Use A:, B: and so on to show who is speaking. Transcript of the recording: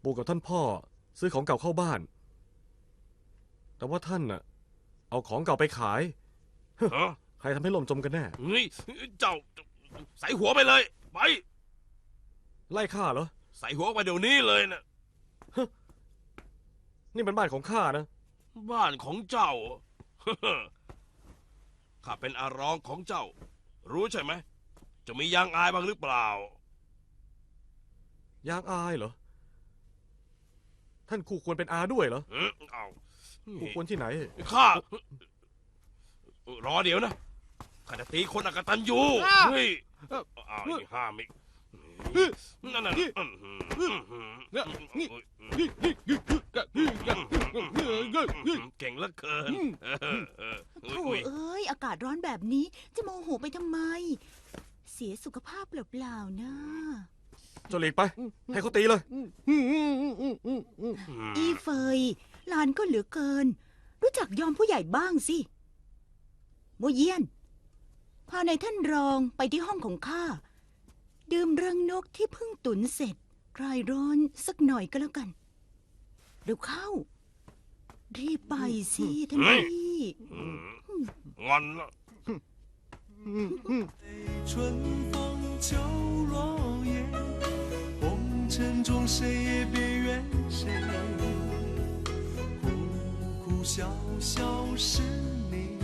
A: ปู่กับท่านพ่อซื้อของเก่าเข้าบ้าน แต่ว่าท่านน่ะเอาของเก่าไปขาย
B: ฮะ
A: ใครทำให้ล่มจมกันแน่
B: เฮ้ยเจ้าใส่หัวไปเลย ไป
A: ไล่ข้าเหรอ
B: ใส่หัวไปเดี๋ยวนี้เลยนะ
A: นี่มันบ้านของข้านะ
B: บ้านของเจ้า ข้าเป็นอารองของเจ้า รู้ใช่ไหม จะมียางอายบ้างหรือเปล่า
A: ยางอายเหรอ ท่านคู่ควรเป็นอาด้วยเหรอ
B: เอา
A: คู่ควรที่ไหน
B: ข้า รอเดี๋ยวนะ ข้าจะตีคนอกตัญญูเฮ้ยอ้าวอีกห้ามอีกนั่นน่ะเก่งเหลือเกิน
C: โถ่เอ้ยอากาศร้อนแบบนี้จะโมโหไปทำไม เสียสุขภาพเปล่าๆนะ
A: เจ้าหลีกไป ให้เขาตีเลย
C: อีเฟยหลานก็เหลือเกิน รู้จักยอมผู้ใหญ่บ้างสิโมเยียน พาในายท่านรองไปที่ห้องของข้า ดื่มรังนกที่เพิ่งตุ๋นเสร็จคลายร้อนสักหน่อยก็แล้วกัน เร็วเข้า รีบไปสิท่านพี่
B: งอนละ
D: 春风秋落叶，红尘中谁也别怨谁，哭哭笑笑是。